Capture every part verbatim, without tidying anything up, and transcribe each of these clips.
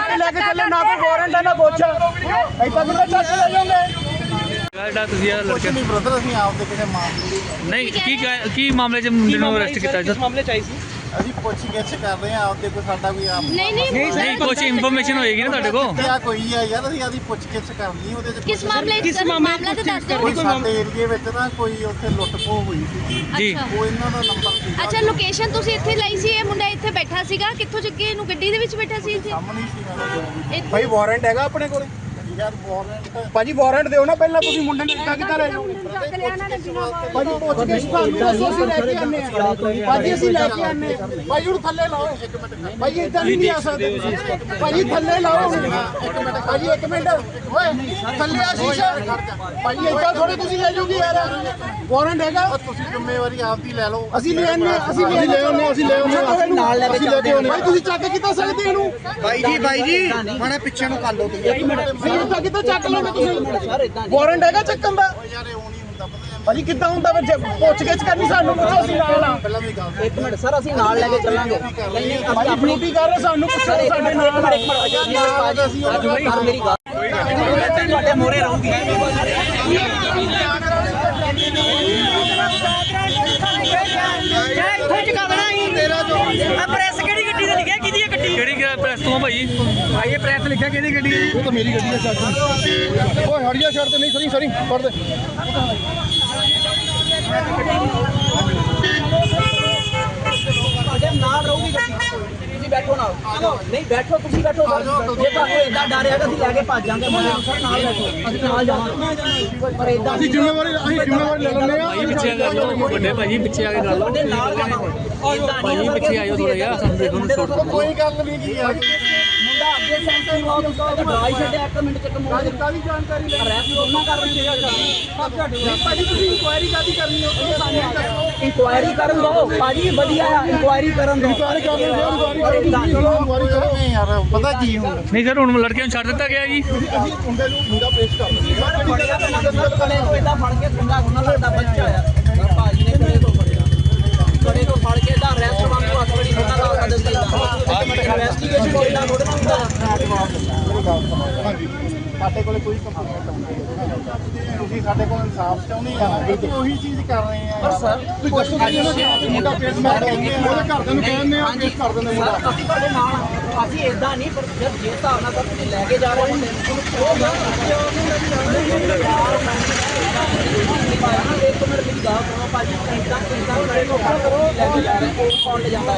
ਚੱਕ ਕੇ ਲੈ ਕੇ ਚੱਲੇ, ਨਾ ਕੋਈ ਵਾਰੰਟ ਹੈ ਨਾ ਕੁਛ। ਏਦਾਂ ਕਿੱਦਾਂ ਚੱਕ ਕੇ ਲੈ ਜਾਓਗੇ? ਤੁਸੀਂ ਲੜਕੇ ਨਹੀਂ ਬ੍ਰਦਰ, ਅਸੀਂ ਆਪਦੇ ਕਿਸੇ ਮਾਮਲੇ ਨਹੀਂ ਕੀ ਕੀ ਮਾਮਲੇ 'ਚ ਮੁੰਡੇ ਨੂੰ ਅਰੈਸਟ ਕੀਤਾ? ਕਿਸ ਮਾਮਲੇ 'ਚ ਆਈ ਸੀ? ਅਸੀਂ ਪੁੱਛ ਗਿੱਛ ਕਰ ਰਹੇ ਹਾਂ ਆਪਦੇ, ਕੋਈ ਸਾਡਾ ਕੋਈ ਆਪ ਨਹੀਂ ਨਹੀਂ ਨਹੀਂ ਕੁਝ ਇਨਫੋਰਮੇਸ਼ਨ ਹੋਏਗੀ ਨਾ ਤੁਹਾਡੇ ਕੋਲ। ਕਿਆ ਕੋਈ ਆ ਯਾਰ, ਅਸੀਂ ਆਦੀ ਪੁੱਛ ਗਿੱਛ ਕਰਨੀ ਉਹਦੇ ਚ। ਕਿਸ ਮਾਮਲੇ ਕਿਸ ਮਾਮਲੇ ਤੇ ਦੱਸ ਦਿਓ। ਕੋਈ ਸਾਡੇ ਏਰੀਏ ਵਿੱਚ ਨਾ ਕੋਈ ਉੱਥੇ ਲੁੱਟ ਖੋਹ ਹੋਈ ਸੀ ਜੀ। ਉਹ ਇਹਨਾਂ ਦਾ ਨੰਬਰ ਸੀ। ਅੱਛਾ, ਲੋਕੇਸ਼ਨ ਤੁਸੀਂ ਇੱਥੇ ਲਈ ਸੀ, ਇਹ ਮੁੰਡਾ ਇੱਥੇ ਬੈਠਾ ਸੀਗਾ, ਕਿੱਥੋਂ ਚੱਕੇ ਇਹਨੂੰ? ਗੱਡੀ ਦੇ ਵਿੱਚ ਬੈਠਾ ਸੀ ਇੱਥੇ? ਸਾਹਮਣੇ ਸੀ ਇੱਥੇ? ਭਾਈ ਵਾਰੰਟ ਹੈਗਾ ਆਪਣੇ ਕੋਲੇ? ਯਾਰ ਵਾਰੰਟ ਭਾਜੀ ਵਾਰੰਟ ਦਿਓ ਨਾ ਪਹਿਲਾਂ, ਤੁਸੀਂ ਮੁੰਡੇ ਨੂੰ ਇੱਦਾਂ ਕਿੱਦਾਂ ਲੈ ਜਾਓਗੇ? ਭਾਜੀ ਪੁੱਛ ਕੇ ਸਾਨੂੰ ਦੱਸੋ, ਅਸੀਂ ਲੈ ਕੇ ਆਨੇ ਆ। ਭਾਜੀ ਅਸੀਂ ਲੈ ਕੇ ਆਨੇ ਆ। ਭਾਈ ਉਹਨੂੰ ਥੱਲੇ ਲਾਓ। ਭਾਈ ਇੱਦਾਂ ਨਹੀਂ ਆ ਸਕਦੇ ਤੁਸੀਂ। ਭਾਜੀ ਥੱਲੇ ਲਾਓ। ਭਾਜੀ ਇੱਕ ਮਿੰਟ ਓਏ, ਥੱਲੇ ਆ ਸ਼ੀਸ਼ਾ। ਭਾਜੀ ਇੱਦਾਂ ਥੋੜੇ ਤੁਸੀਂ ਲੈ ਜਾਓਗੇ ਯਾਰ। ਵਾਰੰਟ ਹੈਗਾ? ਤੁਸੀਂ ਜ਼ਿੰਮੇਵਾਰੀ ਆਪਦੀ ਲੈ ਲਓ। ਅਸੀਂ ਲੈ ਆਨੇ, ਅਸੀਂ ਲੈ ਆਨੇ, ਅਸੀਂ ਲੈ ਆਨੇ, ਨਾਲ ਲੈ ਕੇ ਚੱਲਦੇ ਹਾਂ। ਭਾਈ ਤੁਸੀਂ ਚੱਕ ਕਿੱਦਾਂ ਸਕਦੇ ਇਹਨੂੰ? ਬਾਈ ਜੀ ਬਾਈ ਜੀ ਮਾੜਾ ਪਿੱਛੇ ਨੂੰ ਕਰ ਲਓ ਤੁਸੀਂ। ਇੱਦਾਂ ਕਿੱਦਾਂ ਚੱਕ ਲਓਗੇ ਤੁਸੀਂ? ਵਾਰੰਟ ਹੈਗਾ ਚੱਕਣ ਦਾ? ਯਾਰ ਇਹ ਉਹ ਨਹੀਂ ਹੁੰਦਾ, ਪਤਾ ਭਾਜੀ ਕਿੱਦਾਂ ਹੁੰਦਾ? ਫਿਰ ਪੁੱਛ ਗਿੱਛ ਕਰਨੀ ਸਾਨੂੰ, ਪੁੱਛੋ ਅਸੀਂ ਨਾਲ ਆ। ਪਹਿਲਾਂ ਵੀ ਗੱਲ ਇੱਕ ਮਿੰਟ ਸਰ, ਅਸੀਂ ਨਾਲ ਲੈ ਕੇ ਚੱਲਾਂਗੇ। ਨਹੀਂ ਨਹੀਂ ਭਾਈ ਅਸੀਂ ਆਪਣੀ ਡਿਊਟੀ ਕਰ ਰਹੇ, ਸਾਨੂੰ ਪੁੱਛੋ ਸਾਡੇ ਨਾਲ ਆ। ਮੇਰੀ ਗੱਲ ਤੁਹਾਡੇ ਮੋਰੇ ਰਹੂਗੀ। ਕਿਹੜੀ ਪ੍ਰੈਸ ਤੋਂ ਭਾਈ? ਭਾਈ ਇਹ ਪ੍ਰੈਸ ਲਿਖਿਆ ਕਿਹਦੀ ਗੱਡੀ ਹੈ ਜੀ? ਉਹ ਤਾਂ ਮੇਰੀ ਗੱਡੀ ਹੈ। ਚੱਕ ਓਏ ਹੜੀਆ ਛੱਡ ਤੇ, ਨਹੀਂ ਸਰੀ ਸਰੀ ਫੜ ਦੇ। ਤੁਹਾਡੇ ਨਾਲ ਰਹੂਗੀ ਗੱਡੀ, ਤੁਸੀਂ ਬੈਠੋ ਨਾਲ। ਨਹੀਂ ਬੈਠੋ, ਤੁਸੀਂ ਬੈਠੋ। ਜੇ ਤੁਹਾਨੂੰ ਏਦਾਂ ਡਰ ਹੈਗਾ ਅਸੀਂ ਲੈ ਕੇ ਭੱਜ ਜਾਵਾਂਗੇ ਮੁੰਡੇ ਨੂੰ। ਸਰ ਨਾਲ ਬੈਠੋ, ਅਸੀਂ ਨਾਲ ਜਾਵਾਂਗੇ। ਪਰ ਏਦਾਂ ਅਸੀਂ ਜ਼ਿੰਮੇਵਾਰੀ ਅਸੀਂ ਜ਼ਿੰਮੇਵਾਰੀ ਲੈ ਲੈਂਦੇ ਆ। ਭਾਈ ਪਿੱਛੇ ਆ ਕੇ ਗੱਲ, ਵੱਡੇ ਭਾਈ ਪਿੱਛੇ ਆ ਕੇ ਗੱਲ। ਤੁਹਾਡੇ ਨਾਲ ਜਾਵਾਂਗੇ। ਭਾਈ ਪਿੱਛੇ ਆਇਓ ਥੋੜਾ ਜਿਹਾ, ਸਾਨੂੰ ਦੇਖੋ ਨਾ ਛੋੜ। ਕੋਈ ਗੱਲ ਨਹੀਂ ਕੀ ਯਾਰ। ਮੁੰਡਾ ਅੱਗੇ ਸੈਂਟਰ ਨੂੰ ਆਉਂ ਤਾਂ ਡਰਾਈ ਛੱਡਿਆ ਇੱਕ ਮਿੰਟ ਚੱਕ ਮੋੜ ਦਿੱਤਾ ਵੀ ਜਾਣਕਾਰੀ ਲੈ ਰੈਸਟ ਉਹਨਾਂ ਕਰ ਰਹੇ ਸੀ। ਭਾਜੀ ਤੁਸੀਂ ਇਨਕੁਆਇਰੀ ਕਾਦੀ ਕਰਨੀ ਹੋ? ਸਾਨੂੰ ਇਨਕੁਆਇਰੀ ਕਰਨ ਦੋ ਭਾਜੀ, ਵਧੀਆ ਆ ਇਨਕੁਆਇਰੀ ਕਰਨ ਦੋ। ਇਨਕੁਆਇਰੀ ਕਰ ਲਓ, ਇਨਕੁਆਇਰੀ ਕਰੋ। ਨਹੀਂ ਯਾਰ ਪਤਾ ਕੀ ਹੁੰਦਾ, ਨਹੀਂ ਸਰ, ਹੁਣ ਲੜਕਿਆਂ ਨੂੰ ਛੱਡ ਦਿੱਤਾ ਗਿਆ ਜੀ। ਅਸੀਂ ਮੁੰਡੇ ਨੂੰ ਮੁੰਡਾ ਪੇਸ਼ ਕਰ ਦਿੰਦੇ ਹਾਂ। ਬੜਿਆ ਤਾਂ ਨਾ ਕੜੇ ਤੋਂ ਏਦਾਂ ਫੜ ਕੇ ਸੁੰਗਾ ਉਹਨਾਂ ਦਾ ਬੱਚਾ ਆ। ਭਾਜੀ ਨੇ ਕੜੇ ਤੋਂ ਫੜਿਆ, ਕੜੇ ਤੋਂ ਫੜ ਕੇ ਇਹਦਾ ਰੈਸਟ ਵਾਂਗੂ ਹੱਥ ਬੜੀ ਉਹਨਾਂ ਦਾ ਕਦਮ ਚਾਹੀਦਾ। ਇਨਵੈਸਟੀਗੇਸ਼ਨ ਹੋਏਗਾ ਥੋੜਾ ਨਾ ਹੁੰਦਾ। ਹਾਂਜੀ ਸਾਡੇ ਕੋਲ ਕੋਈ ਕੰਪਲੇਂਟ ਨਹੀਂ, ਤੁਸੀਂ ਸਾਡੇ ਕੋਲ ਇਨਸਾਫ ਚਾਹੁੰਦੇ ਆ, ਅਸੀਂ ਉਹੀ ਚੀਜ਼ ਕਰ ਰਹੇ ਆ। ਪਰ ਸਰ ਤੁਸੀਂ ਦੱਸੋ ਕਿ ਮੁੰਡਾ ਪੇਸ਼ ਮੈਂ ਕਹਿੰਦੇ ਆ, ਉਹਦੇ ਘਰਦਿਆਂ ਨੂੰ ਕਹਿੰਦੇ ਆ ਪੇਸ਼ ਕਰ ਦਿੰਦੇ ਮੁੰਡਾ। ਸਰ ਅਸੀਂ ਤੁਹਾਡੇ ਨਾਲ ਆ। ਅਸੀਂ ਏਦਾਂ ਨਹੀਂ, ਪਰ ਜਦ ਜੇ ਹਿਸਾਬ ਨਾਲ ਤੁਸੀਂ ਲੈ ਕੇ ਜਾ ਰਹੇ ਹੋ ਉਹ ਗੱਲ ਇੱਕ ਮਿੰਟ ਮੇਰੀ ਗੱਲ ਸੁਣੋ ਭਾਜੀ। ਏਦਾਂ ਏਦਾਂ ਕੜੇ ਤੋਂ ਫੜ ਕਰੋ ਲੈ ਕੇ ਜਾ ਰਹੇ ਉਹ ਕੌਣ ਲੈ ਜਾਂਦਾ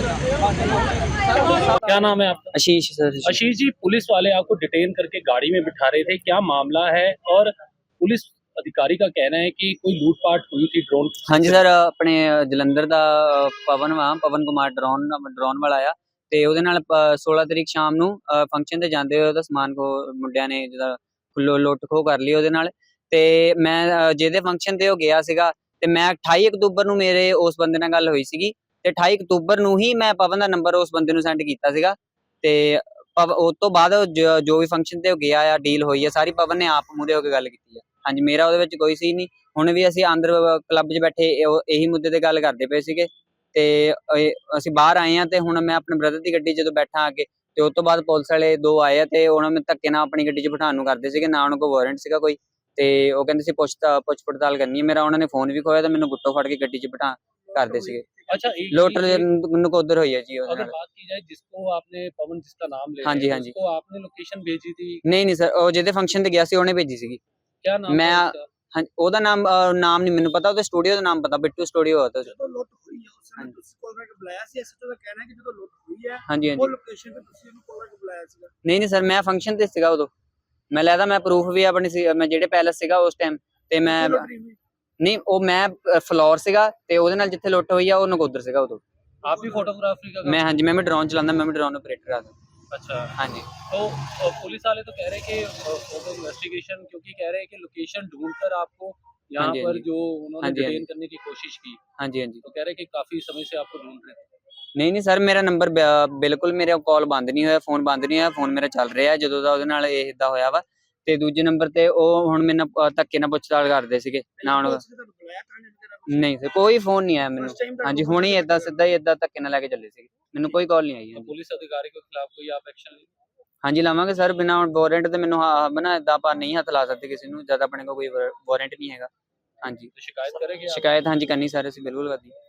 ਹੈ? क्या नाम है आपका? आशीष सर। आशीष जी, पुलिस वाले आपको डिटेन करके गाड़ी में बिठा रहे थे, क्या मामला है? और पुलिस अधिकारी का कहना है कि कोई लूटपाट हुई थी ड्रोन। हाँ जी सर, अपने जलंधर ਦਾ ਪਵਨ ਵਾ ਪਵਨ ਕੁਮਾਰ ਡਰੋਨ ਡਰੋਨ ਵਾਲਾ ਆ ਤੇ ਉਹਦੇ ਨਾਲ सोलह ਤਰੀਕ ਸ਼ਾਮ ਨੂੰ ਫੰਕਸ਼ਨ ਤੇ ਜਾਂਦੇ ਹੋਏ ਉਹਦਾ ਸਮਾਨ ਖੋ ਮੁੰਡਿਆਂ ਨੇ ਜਿਹਦਾ ਲੁੱਟ ਖੋ ਕਰ ਲਈ ਉਹਦੇ ਨਾਲ। ਤੇ ਮੈਂ ਜਿਹਦੇ ਫੰਕਸ਼ਨ ਤੇ ਉਹ ਗਿਆ ਸੀਗਾ ਤੇ ਮੈਂ अट्ठाई ਅਕਤੂਬਰ ਨੂੰ ਮੇਰੇ ਉਸ ਬੰਦੇ ਨਾਲ ਗੱਲ ਹੋਈ ਸੀਗੀ ਤੇ अट्ठाई ਅਕਤੂਬਰ ਨੂੰ ਹੀ ਮੈਂ ਪਵਨ ਦਾ ਨੰਬਰ ਉਸ ਬੰਦੇ ਨੂੰ ਸੈਂਡ ਕੀਤਾ ਸੀਗਾ। ਤੇ ਉਸ ਤੋਂ ਬਾਅਦ ਜੋ ਵੀ ਫੰਕਸ਼ਨ ਤੇ ਉਹ ਗਿਆ ਆ, ਡੀਲ ਹੋਈ ਆ ਸਾਰੀ ਪਵਨ ਨੇ ਆਪ ਮੂਹਰੇ ਹੋ ਕੇ ਗੱਲ ਕੀਤੀ ਆ। ਹਾਂਜੀ, ਮੇਰਾ ਉਹਦੇ ਵਿੱਚ ਕੋਈ ਸੀ ਨਹੀਂ। ਹੁਣ ਵੀ ਅਸੀਂ ਅੰਦਰ ਕਲੱਬ 'ਚ ਬੈਠੇ ਇਹੀ ਮੁੱਦੇ ਤੇ ਗੱਲ ਕਰਦੇ ਪਏ ਸੀਗੇ ਤੇ ਅਸੀਂ ਬਾਹਰ ਆਏ ਆ ਤੇ ਹੁਣ ਮੈਂ ਆਪਣੇ ਬ੍ਰਦਰ ਦੀ ਗੱਡੀ ਜਦੋਂ ਬੈਠਾ ਅੱਗੇ ਤੇ ਉਸ ਤੋਂ ਬਾਅਦ ਪੁਲਿਸ ਵਾਲੇ ਦੋ ਆਏ ਆ ਤੇ ਉਹਨਾਂ ਨੂੰ ਧੱਕੇ ਨਾਲ ਆਪਣੀ ਗੱਡੀ 'ਚ ਬਿਠਾਉਣ ਨੂੰ ਕਰਦੇ ਸੀਗੇ। ਨਾ ਉਹਨਾਂ ਕੋਲ ਵਾਰੰਟ ਸੀਗਾ ਕੋਈ ਤੇ ਉਹ ਕਹਿੰਦੇ ਸੀ ਪੁੱਛ ਪੁੱਛ ਪੜਤਾਲ ਕਰਨੀ ਹੈ। ਮੇਰਾ ਉਹਨਾਂ ਨੇ ਫੋਨ ਵੀ ਖੋਇਆ ਤੇ ਮੈਨੂੰ ਗੁੱਟੋ ਫੜ ਕੇ ਗੱਡੀ 'ਚ ਬਿਠਾ ਕਰਦੇ ਸੀਗੇ। अच्छा, ਲੋਟਰ ਨਕੋਦਰ ਹੋਈ ਹੈ ਜੀ ਉਹਦੇ अगर ਨਾਲ। बात की जाए जिसको आपने पवन जिसका नाम ले हाँ जी, रहे हैं, हाँ जी। उसको आपने लोकेशन भेजी थी? ਨਹੀਂ ਨਹੀਂ ਸਰ, ਉਹ ਜਿਹਦੇ ਫੰਕਸ਼ਨ ਤੇ ਗਿਆ ਸੀ ਉਹਨੇ ਭੇਜੀ ਸੀਗੀ। क्या नाम मैं था उसका? ਹਾਂ, ਉਹਦਾ ਨਾਮ ਨਾਮ ਨਹੀਂ ਮੈਨੂੰ ਪਤਾ, ਉਹਦੇ ਸਟੂਡੀਓ ਦਾ ਨਾਮ ਪਤਾ, ਬਿੱਟੂ ਸਟੂਡੀਓ ਹੋਤਾ। ਜਦੋਂ ਲੁੱਟ ਹੋਈ ਹੈ ਉਸ ਸਮੇਂ ਤੁਸੀਂ ਕੋਲ ਕਰਕੇ ਬੁਲਾਇਆ ਸੀ? ਐਸਾ ਤਾਂ ਕਹਿਣਾ ਕਿ ਜਦੋਂ ਲੁੱਟ ਹੋਈ ਹੈ ਹਾਂਜੀ ਉਹ ਹਾਂਜੀ। ਲੋਕੇਸ਼ਨ ਤੇ ਤੁਸੀਂ ਇਹਨੂੰ ਕੋਲ ਕਰਕੇ ਬੁਲਾਇਆ ਸੀਗਾ? ਨਹੀਂ ਨਹੀਂ ਸਰ, ਮੈਂ ਫੰਕਸ਼ਨ ਤੇ ਸੀਗਾ ਉਦੋਂ। ਮੈਂ ਲੈਦਾ ਮੈਂ ਪ੍ਰੂਫ ਵੀ ਆਪਣੀ ਸੀ, ਮੈਂ ਜਿਹੜੇ ਪੈਲਸ ਸੀਗਾ ਉਸ ਟਾਈਮ ਤੇ ਮੈਂ ਨਹੀਂ, ਉਹ ਮੈਂ ਫਲੋਰ ਸੀਗਾ ਤੇ ਉਹਦੇ ਨਾਲ ਜਿੱਥੇ ਲੁੱਟ ਹੋਈ ਆ ਉਹ ਨਕੋਦਰ ਸੀਗਾ ਉਦੋਂ। आप भी फोटोग्राफी का? ਮੈਂ ਹਾਂਜੀ, ਮੈਂ ਵੀ ਡਰੋਨ ਚਲਾਉਂਦਾ, ਮੈਂ ਵੀ ਡਰੋਨ ਆਪਰੇਟਰ ਆ। अच्छा, हाँ जी। तो पुलिस वाले तो कह रहे हैं कि फोटो इन्वेस्टिगेशन, क्योंकि कह रहे हैं कि लोकेशन ढूंढकर आपको यहाँ हाँ जी, पर हाँ जी। जो उन्होंने हाँ जी, हाँ डिटेन जी। करने की कोशिश की, हाँ जी हाँ जी। तो कह रहे हैं कि काफी समय से आपको ढूंढ रहे थे। ਨਹੀਂ ਨਹੀਂ ਸਰ, ਮੇਰਾ ਨੰਬਰ ਬਿਲਕੁਲ ਮੇਰੇ ਕਾਲ ਬੰਦ ਨਹੀਂ ਹੋਇਆ, ਫੋਨ ਬੰਦ ਨਹੀਂ ਹੋਇਆ, ਫੋਨ ਮੇਰਾ ਚੱਲ ਰਿਹਾ ਜਦੋਂ ਦਾ ਉਹਦੇ ਨਾਲ ਇਹ ਇਦਾਂ ਹੋਇਆ ਵਾ। ਤੇ ਦੂਜੇ ਨੰਬਰ ਤੇ ਉਹ ਹੁਣ ਮੈਨੂੰ ਧੱਕੇ ਨਾਲ ਪੁੱਛਤਾਲ ਕਰਦੇ ਸੀਗੇ ਨਾ ਹੁਣ। ਨਹੀਂ ਸਰ, ਕੋਈ ਫੋਨ ਨਹੀਂ ਆਇਆ ਮੈਨੂੰ। ਹਾਂਜੀ, ਹੁਣ ਹੀ ਏਦਾਂ ਸਿੱਧਾ ਹੀ ਏਦਾਂ ਧੱਕੇ ਨਾਲ ਲੈ ਕੇ ਚੱਲੇ ਸੀਗੇ, ਮੈਨੂੰ ਕੋਈ ਕਾਲ ਨਹੀਂ ਆਈ। तो पुलिस अधिकारी के खिलाफ कोई आप एक्शन लेंगे? ਹਾਂਜੀ ਲਾਵਾਂਗੇ ਸਰ, ਬਿਨਾਂ ਵਾਰੰਟ ਤੇ ਮੈਨੂੰ ਹਾਂ ਬਣਾ ਇਦਾਂ ਆਪਾਂ ਨਹੀਂ ਹੱਥ ਲਾ ਸਕਦੇ ਕਿਸੇ ਨੂੰ ਜਦ ਆਪਣੇ ਕੋਲ ਕੋਈ ਵਾਰੰਟ ਨਹੀਂ ਹੈਗਾ। ਹਾਂਜੀ तो शिकायत करेंगे आप? ਸ਼ਿਕਾਇਤ ਹਾਂਜੀ ਕਰਨੀ ਸਰ, ਅਸੀਂ ਬਿਲਕੁਲ ਕਰਨੀ।